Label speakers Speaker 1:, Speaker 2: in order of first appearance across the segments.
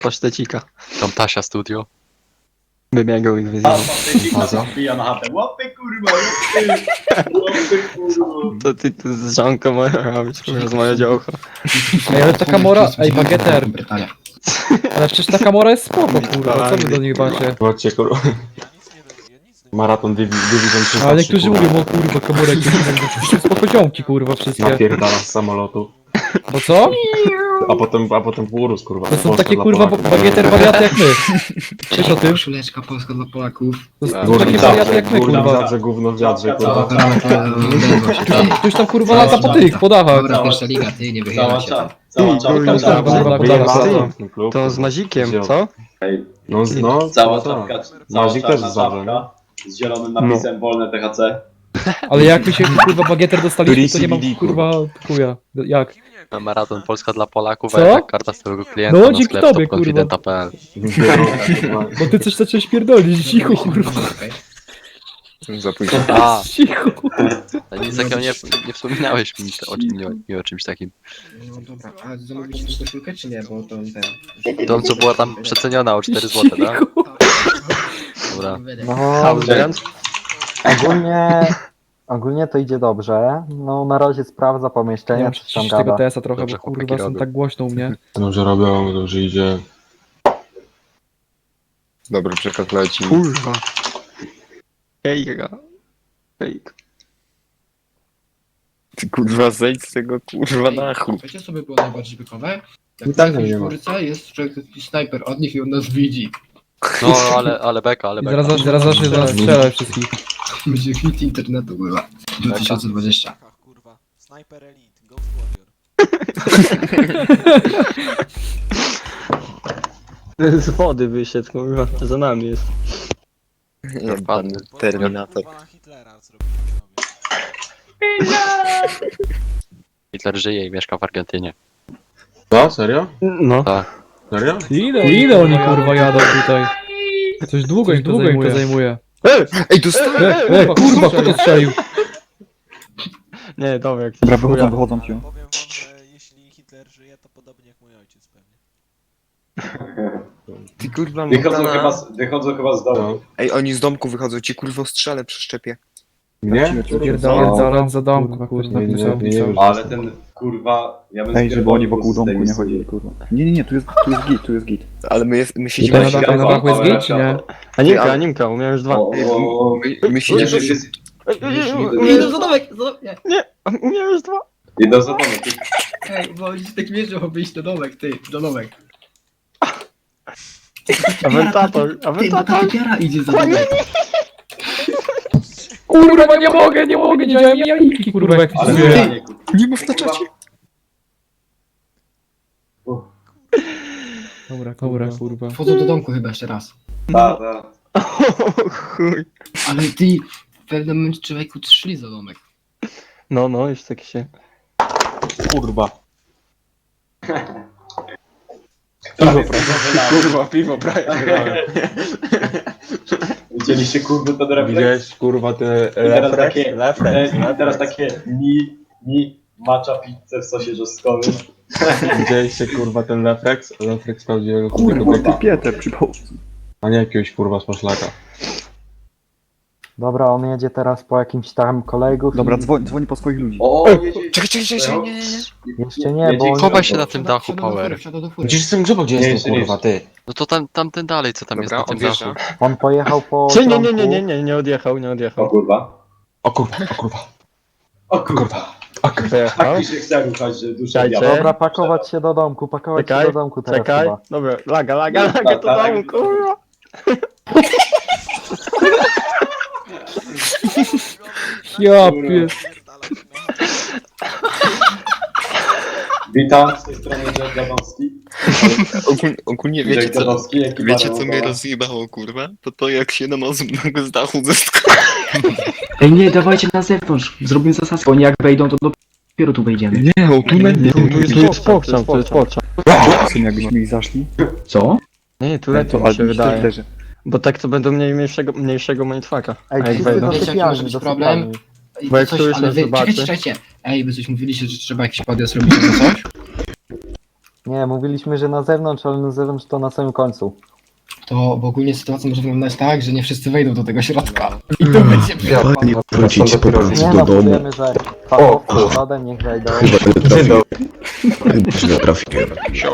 Speaker 1: pasztecika.
Speaker 2: Tam Tasia Studio.
Speaker 1: Wybiegał i
Speaker 3: A,
Speaker 1: wyzwał.
Speaker 3: pasztecika się wbija na chatę. Łapy kurwa, łapy kurwa.
Speaker 1: To ty tu z żonką moja robisz, kurwa, z moja działka.
Speaker 4: Ej, ale ta Kamora, ej, Bageter, ale przecież ta Kamora jest spoko, kurwa, co wy do niej macie?
Speaker 5: Chodźcie, kurwa. Maraton Division 3.
Speaker 4: Ale niektórzy mówią, o kurwa, Kamorek, to spoko ziomki, kurwa, wszystkie.
Speaker 5: Napierdala z samolotu.
Speaker 4: Bo co?
Speaker 5: A potem urósł, kurwa.
Speaker 4: To są
Speaker 5: Polska
Speaker 4: takie
Speaker 5: dla
Speaker 4: kurwa
Speaker 5: Polaków.
Speaker 4: Bageter wariaty jak my. Wiesz o tym?
Speaker 6: Koszuleczka polska dla Polaków.
Speaker 4: To są
Speaker 5: Gówno
Speaker 4: takie
Speaker 5: w
Speaker 4: wariaty jak
Speaker 5: wiadrze,
Speaker 4: my,
Speaker 5: gówno w
Speaker 4: kurwa.
Speaker 5: wiadrze, gówno w wiadrze,
Speaker 3: Cała
Speaker 5: kurwa.
Speaker 4: Ktoś tam kurwa lata po tych, po dachach.
Speaker 6: Dobra, pierwsza liga, ty nie wychyla
Speaker 3: Cała
Speaker 6: się.
Speaker 3: czapka. Cała
Speaker 1: kurwa,
Speaker 3: czapka.
Speaker 4: kurwa,
Speaker 5: Wyjebany klub.
Speaker 1: To z Mazikiem, co?
Speaker 5: No,
Speaker 3: Cała
Speaker 5: tak.
Speaker 3: czapka. Cała
Speaker 5: Mazik też
Speaker 3: czarna
Speaker 5: jest dobrze,
Speaker 3: czapka. Z zielonym napisem wolne THC.
Speaker 4: Ale jak my się kurwa Bagieter dostaliśmy, to nie mam
Speaker 5: CBD,
Speaker 4: kurwa chuja. Jak?
Speaker 2: Na Maraton Polska dla Polaków,
Speaker 4: Co?
Speaker 2: a jednak karta stałego klienta
Speaker 4: No,
Speaker 2: na
Speaker 4: dzięki
Speaker 2: sklep
Speaker 4: tobie,
Speaker 2: topconfidenta.pl.
Speaker 4: Bo ty coś zacząłeś pierdolić, cicho kurwa.
Speaker 7: Za późno.
Speaker 2: A,
Speaker 4: Cicho.
Speaker 2: nic takiego nie wspominałeś mi o czymś takim.
Speaker 6: No dobra, a zamówiliście tą koszulkę czy nie? Bo to ten...
Speaker 2: To co była tam przeceniona o 4 zł, tak? Dobra.
Speaker 8: No, ogólnie to idzie dobrze. No na razie sprawdza
Speaker 4: Nie
Speaker 8: pomieszczenie,
Speaker 4: wiem,
Speaker 8: coś tam
Speaker 4: przyciszyć tego
Speaker 8: gada.
Speaker 4: TS-a trochę,
Speaker 2: Dobrze,
Speaker 4: bo
Speaker 2: chłopaki
Speaker 4: kurwa są
Speaker 2: robią.
Speaker 4: tak głośno u mnie.
Speaker 5: Dobrze robią, dobrze idzie.
Speaker 7: Dobry przekaz leci.
Speaker 1: Kurwa. Hejka. Hejka.
Speaker 7: Ty kurwa zejdź z tego kurwa dachu.
Speaker 6: Wiecie co by było najbardziej bykowe?
Speaker 5: I
Speaker 6: Jak
Speaker 5: tak
Speaker 6: na
Speaker 5: nie ma.
Speaker 6: górce jest człowiek, taki snajper od nich i on nas widzi.
Speaker 2: No, ale beka, ale
Speaker 4: I
Speaker 2: beka.
Speaker 4: zaraz zacznie do nas strzelać wszystkich.
Speaker 6: Będzie hit internetu była. 2020.
Speaker 9: Kurwa. Sniper Elite, Ghost Warrior.
Speaker 1: Z wody wyszedł, kurwa, za nami jest.
Speaker 7: Jebany Terminator.
Speaker 9: Kurwa na Hitlera zrobili sobie.
Speaker 2: Hitler żyje i mieszka w Argentynie.
Speaker 5: Co? Serio?
Speaker 1: No.
Speaker 5: Serio?
Speaker 4: Ile oni kurwa jadą tutaj? Coś długo im to zajmuje.
Speaker 7: Ej, dostałem!
Speaker 4: Kurwa, kto to strzelił?
Speaker 1: Nie, dobra, jak to chuja.
Speaker 9: Powiem wam, że jeśli Hitler żyje, to podobnie jak mój ojciec pewnie.
Speaker 7: Ty kurwa
Speaker 3: Wychodzą chyba z domu.
Speaker 5: No.
Speaker 7: Ej, oni z domku wychodzą, ci kurwa strzelę przy szczepie.
Speaker 5: Nie?
Speaker 4: Pierdolę za domku, kurwa.
Speaker 5: Nie,
Speaker 3: Ale ten kurwa... Ja bym
Speaker 10: Ej, żeby oni wokół
Speaker 3: z tej
Speaker 10: domku nie
Speaker 3: misji.
Speaker 10: chodzili, kurwa. Nie, tu jest git.
Speaker 7: Ale my
Speaker 4: Tutaj
Speaker 7: siedzimy
Speaker 4: na dachu, na dachu jest git, czy nie?
Speaker 1: Animka, umiałem już dwa.
Speaker 7: My siedzimy...
Speaker 6: Idę za domek! Nie.
Speaker 1: Umiałem już dwa.
Speaker 3: Idą za domek.
Speaker 6: Ej, bo oni się tak mierzą, aby iść do domek, ty, do domek.
Speaker 1: Awentator.
Speaker 6: Ty, bo ta typiara idzie za domek.
Speaker 4: Kurwa, nie mogę, nie widziałem jajki, kurwa, jak
Speaker 3: Ale
Speaker 4: się dzieje.
Speaker 3: nie,
Speaker 7: Nie mów na czacie!
Speaker 4: Dobra, kurwa.
Speaker 6: Wchodzą do domku chyba jeszcze raz.
Speaker 3: Ta.
Speaker 1: O chuj.
Speaker 6: Ale ty, w pewnym momencie człowieku szli za domek.
Speaker 1: No, już tak się...
Speaker 5: kurwa.
Speaker 1: Piwo prawie.
Speaker 3: Widzieliście kurwy ten refleks?
Speaker 5: Widziałeś, kurwa, ten
Speaker 3: Teraz takie...
Speaker 5: refleks.
Speaker 3: Teraz takie matcha pizzę w sosie rzosnkowym.
Speaker 5: Widzieliście, kurwa, ten refleks? Refleks prawdziwego
Speaker 10: Kurwa,
Speaker 5: kobieta.
Speaker 10: ty Pieter przypał.
Speaker 5: A nie jakiegoś, kurwa, z poszlaka.
Speaker 8: Dobra, on jedzie teraz po jakimś tam kolegów.
Speaker 10: Dobra,
Speaker 8: i...
Speaker 10: dzwoni po swoich ludzi.
Speaker 3: O, jedzie.
Speaker 7: Czekaj, nie.
Speaker 8: Jeszcze nie, bo
Speaker 2: Chowaj
Speaker 8: on...
Speaker 2: się na tym dachu, Power.
Speaker 6: Wsiada do fury.
Speaker 5: Gdzieś jestem grzybo, gdzie
Speaker 3: Nie,
Speaker 5: jestem,
Speaker 3: jeszcze
Speaker 5: kurwa, ty?
Speaker 2: No to tamten dalej, co tam jest
Speaker 7: Dobra,
Speaker 2: na tym
Speaker 7: odjeżdża.
Speaker 2: dachu.
Speaker 8: on pojechał po...
Speaker 1: Czy nie,
Speaker 8: trąbku.
Speaker 1: nie odjechał,
Speaker 3: O kurwa.
Speaker 5: O kurwa, o kurwa.
Speaker 3: O kurwa.
Speaker 1: Wyjechał.
Speaker 3: Faktycznie chcę ruchać, że dusza
Speaker 1: Czekajcie.
Speaker 3: diabła.
Speaker 8: Dobra, pakować się do domku, teraz
Speaker 1: Czekaj.
Speaker 8: chyba.
Speaker 1: Dobra, laga, to domu, kurwa.
Speaker 4: Ja pier...
Speaker 3: Witam, z tej strony Jack Gadowski.
Speaker 7: Ogólnie
Speaker 3: Jack Gadowski, jaki
Speaker 7: wiecie co
Speaker 3: baron
Speaker 7: mnie
Speaker 3: około.
Speaker 7: rozjebało kurwa? To jak się namazłem z dachu ze sklepu.
Speaker 6: Ej, nie, dawajcie na zewnątrz. Zrobimy zasadzkę. Oni jak wejdą, to dopiero tu wejdziemy.
Speaker 7: Nie, o tu
Speaker 1: Tu jest pokrzam.
Speaker 10: Syn, jakbyśmy ich zaszli.
Speaker 6: Co?
Speaker 1: Nie, tu lepiej mi
Speaker 10: ale
Speaker 1: się
Speaker 10: mi
Speaker 1: wydaje.
Speaker 10: leży.
Speaker 1: Bo tak to będą mieli mniejszego mindfucka.
Speaker 8: Ej,
Speaker 1: A jak
Speaker 8: wszyscy
Speaker 1: wejdą?
Speaker 8: do
Speaker 6: Wiecie, jaki może być problem?
Speaker 1: Bo jak któryś
Speaker 6: ale
Speaker 1: nas
Speaker 6: wy,
Speaker 1: zobaczy-
Speaker 6: czekajcie. Ej, wy coś mówiliście, że trzeba jakiś podjazd robić albo coś?
Speaker 8: Nie, mówiliśmy, że na zewnątrz, ale na zewnątrz to na samym końcu.
Speaker 11: To w ogóle sytuacja może wyglądać tak, że nie wszyscy wejdą do tego środka. I to będzie
Speaker 5: Fajnie wrócić z powrotem
Speaker 8: Nie no, powiemy, że fachowcy z lodem niech wejdą.
Speaker 5: Źle trafiłem.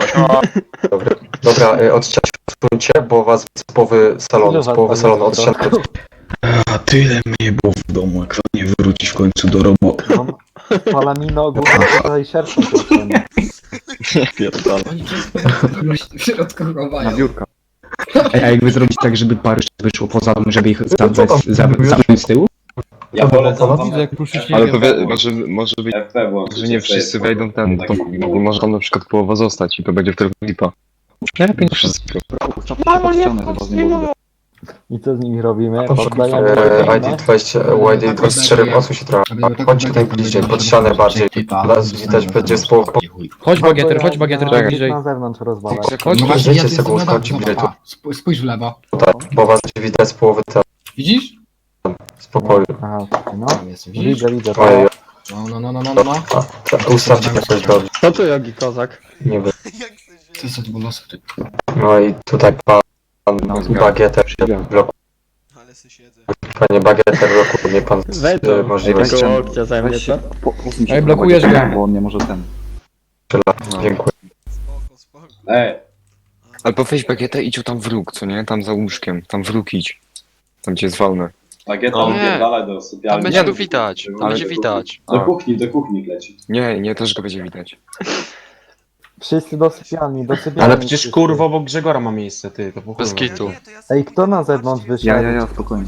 Speaker 12: Dobra, odciąć bo was z połowy salonu, odciąć.
Speaker 5: A tyle mnie było w domu, jak fajnie wrócić w końcu do roboty.
Speaker 8: Palamino ogólnie tutaj szerszą potrzebę.
Speaker 11: Oni w środku
Speaker 10: Na
Speaker 11: chowają.
Speaker 10: biurka.
Speaker 6: A jakby zrobić tak, żeby parę wyszło poza dom, żeby ich zamknąć z tyłu?
Speaker 3: Ja wolę tam
Speaker 4: Widzę jak ruszyć nie
Speaker 7: Ale
Speaker 4: wiem.
Speaker 7: to może być,
Speaker 3: FP włączyć.
Speaker 7: że nie wszyscy wejdą ten, to może tam na przykład połowa zostać i to będzie wtedy lipa. Lepiej niż wszystko.
Speaker 10: Ścianę chyba z niego.
Speaker 8: I co z nimi robimy? Poddajemy
Speaker 12: YD 24 osób się trochę. Chodźcie tutaj bliżej, pod ścianę bardziej. Nas widać będzie z połowy.
Speaker 4: Chodź bagieter, tu bliżej.
Speaker 8: na zewnątrz rozwalać.
Speaker 4: Chodź,
Speaker 11: No właśnie,
Speaker 12: Zejdźcie
Speaker 11: ja
Speaker 12: sobie,
Speaker 11: tu jestem
Speaker 12: chodźcie
Speaker 11: na
Speaker 12: bliżej.
Speaker 11: dole. Spójrz w lewo.
Speaker 12: Bo was widać z połowy
Speaker 11: Widzisz?
Speaker 12: spokoju.
Speaker 8: Aha, no.
Speaker 11: Tam jest, widzisz?
Speaker 8: Widzę.
Speaker 12: Ojej,
Speaker 11: No.
Speaker 12: ustawcie jakoś dobrze.
Speaker 1: Co tu Jogi Kozak?
Speaker 12: Nie wiem.
Speaker 9: Jak chcesz
Speaker 11: To jest od bonusów, ty.
Speaker 12: No i tutaj pan Bagieter blokuje.
Speaker 9: Ale se siedzę.
Speaker 12: Panie Bagieter blokuje pan
Speaker 1: Weź to,
Speaker 12: możliwość
Speaker 1: tego łokcia ze mnie, co?
Speaker 10: Posuń się
Speaker 4: Ej,
Speaker 10: w
Speaker 4: blokujesz
Speaker 10: prawo,
Speaker 4: go.
Speaker 10: bo on nie może ten.
Speaker 12: Dziękuję.
Speaker 9: Spoko.
Speaker 7: Albo weź bagietę i idź tam w róg, co nie? Tam za łóżkiem, tam w róg idź. Tam gdzie jest wolne.
Speaker 3: Bagieta
Speaker 2: No.
Speaker 3: wypierdalaj do
Speaker 2: Tam
Speaker 3: sypialni.
Speaker 2: będzie tu widać, tam
Speaker 3: Ale
Speaker 2: będzie
Speaker 3: do
Speaker 2: widać.
Speaker 3: do kuchni leci.
Speaker 7: Nie, też go będzie widać.
Speaker 8: Wszyscy do sypialni.
Speaker 5: Ale przecież kurwa obok Grzegora ma miejsce, ty, to po chuj.
Speaker 2: Bez kitu.
Speaker 8: Ej, kto na zewnątrz wyszedł?
Speaker 10: Ja, spokojnie.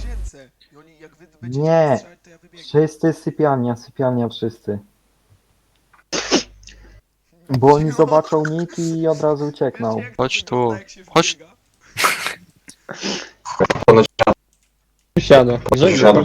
Speaker 8: Nie. Wszyscy sypialnia wszyscy. Bo oni zobaczą nick i od razu uciekną.
Speaker 2: Chodź tu. Chodź.
Speaker 1: Siadę.
Speaker 12: Siadę,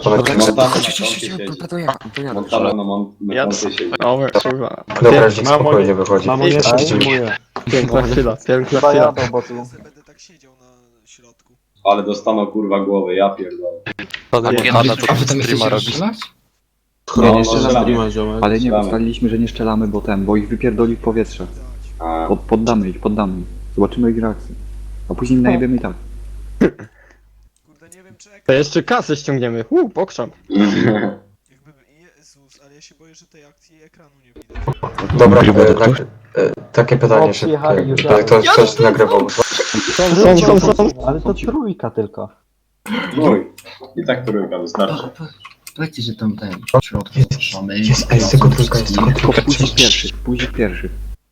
Speaker 3: Montana na moncie siedzi.
Speaker 1: O, kurwa.
Speaker 12: Dobra, dzik spokojnie wychodzi.
Speaker 1: Piękna chwila, piękna
Speaker 8: Chyba
Speaker 1: chwila.
Speaker 8: jadą, bo tu...
Speaker 9: Będę tak siedział na środku.
Speaker 3: Ale dostaną kurwa głowy, ja pierdolę.
Speaker 2: Pana to
Speaker 11: A wy tam
Speaker 2: streama
Speaker 11: jesteście
Speaker 2: robi.
Speaker 11: rozstrzelać?
Speaker 10: Nie, nie
Speaker 3: no,
Speaker 10: strzelamy.
Speaker 3: strzelamy.
Speaker 10: Ale nie,
Speaker 3: Strzelamy.
Speaker 10: ustaliliśmy, że nie strzelamy, bo ich wypierdoli w powietrze.
Speaker 3: A,
Speaker 10: Poddamy ich. Zobaczymy ich reakcję. A później najebiemy i tak.
Speaker 9: Kurde, nie wiem czy
Speaker 1: To jeszcze kasę ściągniemy. Pokrzam.
Speaker 9: jakby... Jezus, ale ja się boję, że tej akcji ekranu nie widać.
Speaker 12: Dobra, takie pytanie
Speaker 8: O, przyjechali
Speaker 12: szybkie.
Speaker 8: już
Speaker 12: To ktoś nagrywał.
Speaker 1: Są.
Speaker 8: Ale to trójka tylko.
Speaker 3: Mój. I tak trójka wystarczy.
Speaker 11: Powiedzcie, że tam ten w środku mamy.
Speaker 12: Jest tylko trójka, jest tylko
Speaker 10: Tylko
Speaker 12: trójka.
Speaker 10: pójdź pierwszy.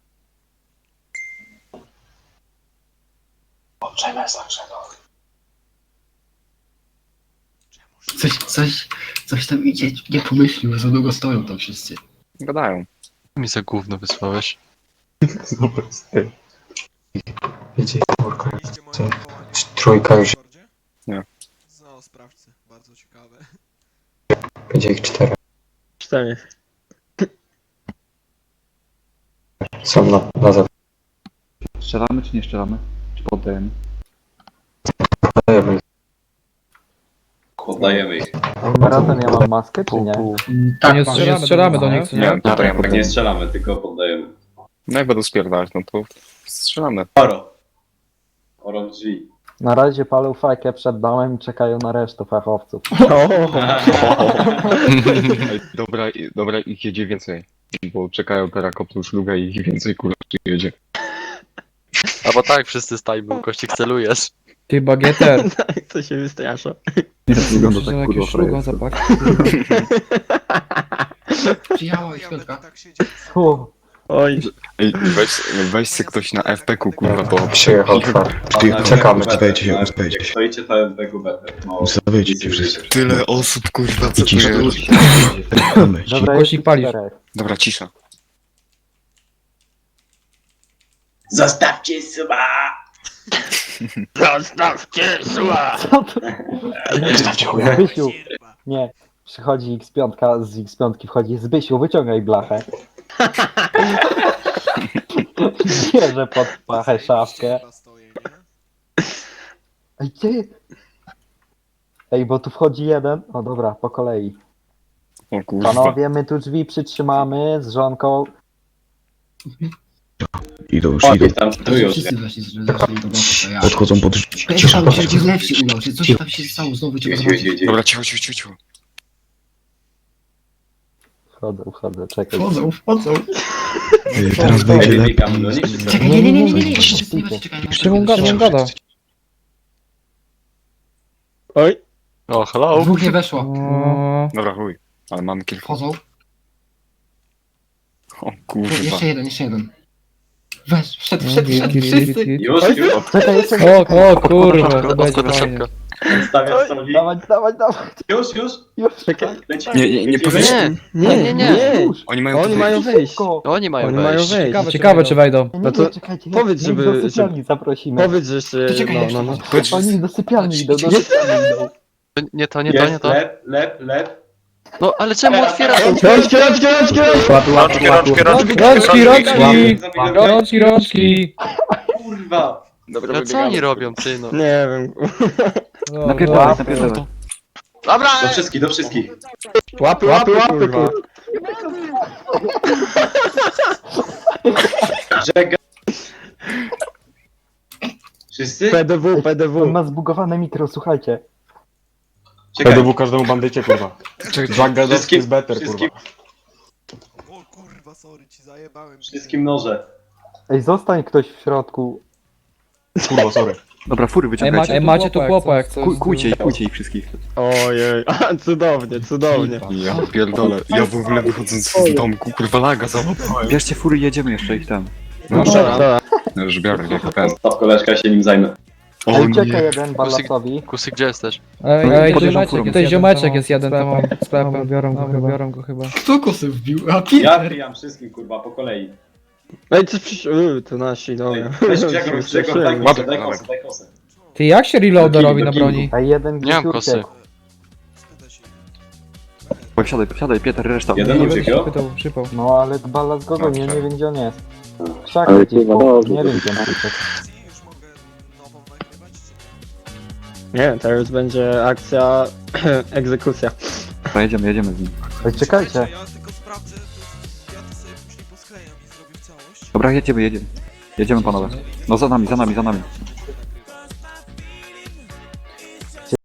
Speaker 11: Coś tam idzie, nie pomyślił, za długo stoją tam wszyscy.
Speaker 7: Gadają.
Speaker 2: Mi za gówno wysłałeś.
Speaker 12: Dobra, stary. Wiecie, kurka.
Speaker 9: Widzieliście moje wywołanie
Speaker 12: Trójka już,
Speaker 9: w Discordzie?
Speaker 7: Nie.
Speaker 9: No, sprawdźcie. Bardzo ciekawe.
Speaker 12: będzie ich 4.
Speaker 1: 4.
Speaker 12: Są na zewnątrz.
Speaker 10: Strzelamy czy nie strzelamy? Czy poddajemy?
Speaker 3: Poddajemy ich.
Speaker 8: Maraton, ja mam maskę, czy nie?
Speaker 4: To nie strzelamy do nich, co nie?
Speaker 3: Tak nie strzelamy, tylko poddajemy.
Speaker 7: No jak będą spierdalać, no to strzelamy.
Speaker 3: Oro drzwi.
Speaker 8: Na razie palą fajkę przed domem i czekają na resztę fachowców.
Speaker 7: Ej, dobra, ich jedzie więcej. Bo czekają teraz kopną szlugę i ich więcej kurwa jedzie.
Speaker 2: Albo tak, wszyscy stajmy, kościk celujesz.
Speaker 4: Ty bagieter.
Speaker 1: To się wystrasza.
Speaker 10: Nie, to wygląda
Speaker 4: Że
Speaker 10: tak
Speaker 4: jakieś
Speaker 10: kurwa
Speaker 4: szluga
Speaker 10: frajersko.
Speaker 4: zapach.
Speaker 11: Przyjechała ich
Speaker 9: Ja
Speaker 11: piątka.
Speaker 9: będę tak siedział.
Speaker 8: Fuh.
Speaker 1: Oj,
Speaker 7: Ej, weź se ktoś na FP-ku kurwa, bo...
Speaker 12: Przyjechał czwarty. Czekamy.
Speaker 5: Ustawiajcie się.
Speaker 3: Jak stoicie, to jest BGB. No,
Speaker 5: Ustawiajcie się wszyscy.
Speaker 7: Tyle osób kurwa, co tu
Speaker 5: Cisza.
Speaker 7: jest.
Speaker 8: Dobra,
Speaker 4: Głośnik
Speaker 8: jest
Speaker 4: palisz.
Speaker 8: 4.
Speaker 7: Dobra, cisza.
Speaker 3: Zostawcie suba!
Speaker 1: zostawcie zła!
Speaker 8: Zbysiu, nie. Przychodzi X5, z X5 wchodzi Zbysiu, wyciągaj blachę. Bierze pod pachę szafkę.
Speaker 9: Chyba stoję, nie?
Speaker 8: Ej, gdzie? Ej, bo tu wchodzi jeden. O dobra, po kolei.
Speaker 7: O kurwa.
Speaker 8: Panowie, my tu drzwi przytrzymamy z żonką.
Speaker 5: Idą już,
Speaker 3: O,
Speaker 5: idą.
Speaker 3: tam tu już.
Speaker 11: Wszyscy weszli do bloku, to ja.
Speaker 5: Podchodzą pod...
Speaker 11: Ej, tam się gdzie lepszy udał się, coś tam się stało, znowu trzeba zobaczyć.
Speaker 7: Dobra, cicho.
Speaker 8: Wchodzę, czekaj.
Speaker 11: Wchodzą.
Speaker 5: Teraz będzie
Speaker 3: Ej,
Speaker 5: lepiej.
Speaker 3: biegam do nich, czy co?
Speaker 11: Czekaj, nie. Wszyscy nie czekaj.
Speaker 4: Czemu gada?
Speaker 1: Oj,
Speaker 2: O, hello.
Speaker 11: Dwóch nie weszło.
Speaker 4: O,
Speaker 7: Dobra, chuj. Ale mamy kilka.
Speaker 11: Wchodzą.
Speaker 7: O kurwa.
Speaker 11: Jeszcze jeden. Wszedł,
Speaker 4: git.
Speaker 11: wszyscy.
Speaker 3: Już.
Speaker 8: Czekaj, jeszcze
Speaker 4: O kurwa, to będzie
Speaker 2: Odkłada
Speaker 4: fajnie.
Speaker 2: szybko.
Speaker 3: Stawiam soli.
Speaker 8: dawać.
Speaker 3: Już.
Speaker 1: czekaj.
Speaker 3: Lecimy.
Speaker 7: Nie powiecie.
Speaker 1: Nie.
Speaker 7: Oni mają
Speaker 1: Oni
Speaker 7: tu
Speaker 1: mają
Speaker 7: wyjść.
Speaker 1: wejść.
Speaker 2: Oni mają
Speaker 1: Oni mają
Speaker 2: wejść.
Speaker 1: wejść.
Speaker 4: Ciekawe czy wejdą.
Speaker 1: No to
Speaker 8: czekajcie.
Speaker 1: powiedz,
Speaker 8: niech
Speaker 1: żeby-
Speaker 8: do sypialni zaprosimy.
Speaker 1: Powiedz, że jeszcze...
Speaker 11: To czekaj,
Speaker 1: No.
Speaker 8: Oni do sypialni idą, do
Speaker 2: Jest.
Speaker 8: sypialni idą.
Speaker 2: Nie to.
Speaker 3: Jest, lep.
Speaker 2: No, ale czemu otwierasz?
Speaker 1: Rączki!
Speaker 4: Rączki!
Speaker 3: Kurwa.
Speaker 7: Dobra,
Speaker 2: No co oni robią, ty no?
Speaker 1: Nie wiem.
Speaker 8: Napierdalaj.
Speaker 2: Dobra!
Speaker 3: Do wszystkich.
Speaker 1: Łapy, kurwa.
Speaker 3: Żega. Wszyscy?
Speaker 1: PDW.
Speaker 8: On ma zbugowane mikro, słuchajcie.
Speaker 3: Czekaj.
Speaker 10: każdemu bandycie, kurwa.
Speaker 3: Wszystkim, wszystkim,
Speaker 9: O kurwa, sorry, ci zajebałem.
Speaker 3: wszystkim noże.
Speaker 8: Ej, zostań ktoś w środku.
Speaker 10: Kurwa, sorry. Dobra, fury
Speaker 4: Ej, macie tu chłopa jak coś.
Speaker 10: Kujcie ich wszystkich.
Speaker 1: Ojej, cudownie.
Speaker 7: Ja pierdolę. Ja w ogóle wychodząc z domku, kurwa laga załapałem.
Speaker 10: Bierzcie fury, jedziemy jeszcze ich tam.
Speaker 7: No,
Speaker 1: Dobra.
Speaker 7: no już biorę, jak ten.
Speaker 3: Staw koleżka, ja się nim zajmę.
Speaker 7: O
Speaker 8: Ej,
Speaker 7: nie.
Speaker 8: ucieka jeden Ballasowi.
Speaker 2: Kusy, gdzie jesteś?
Speaker 4: Ej,
Speaker 10: Podjeżdżam furą.
Speaker 4: tutaj ziomeczek jest jeden tam sklepem. Biorą go chyba.
Speaker 11: Kto kosy wbił? A
Speaker 3: Ja
Speaker 11: Peter.
Speaker 3: pijam wszystkim, kurwa, po kolei.
Speaker 1: Ej, coś to nasi, dobra.
Speaker 3: Weź Grzegorz, daj kosę.
Speaker 4: Ty jak się reloada robi na broni?
Speaker 8: Ej, jeden
Speaker 2: Nie mam
Speaker 8: gdzieś
Speaker 2: kosy.
Speaker 8: uciekł.
Speaker 10: Posiadaj, Pieter, reszta.
Speaker 3: Jeden
Speaker 4: Nie
Speaker 3: uciekł,
Speaker 4: będę
Speaker 3: jo?
Speaker 4: się pytał, przypał.
Speaker 8: No ale Ballas go goni, ja nie wiem gdzie on jest. Krzak gdzieś, nie wiem gdzie on uciekł.
Speaker 9: Już mogę nową nagrywać, czy nie?
Speaker 1: Nie, teraz będzie akcja egzekucja.
Speaker 10: Jedziemy z nim.
Speaker 8: Ej, czekajcie.
Speaker 9: Ja tylko sprawdzę, ja to sobie później posklejam i zrobię w całość.
Speaker 10: Dobra, jedziemy. Jedziemy, panowie. No za nami.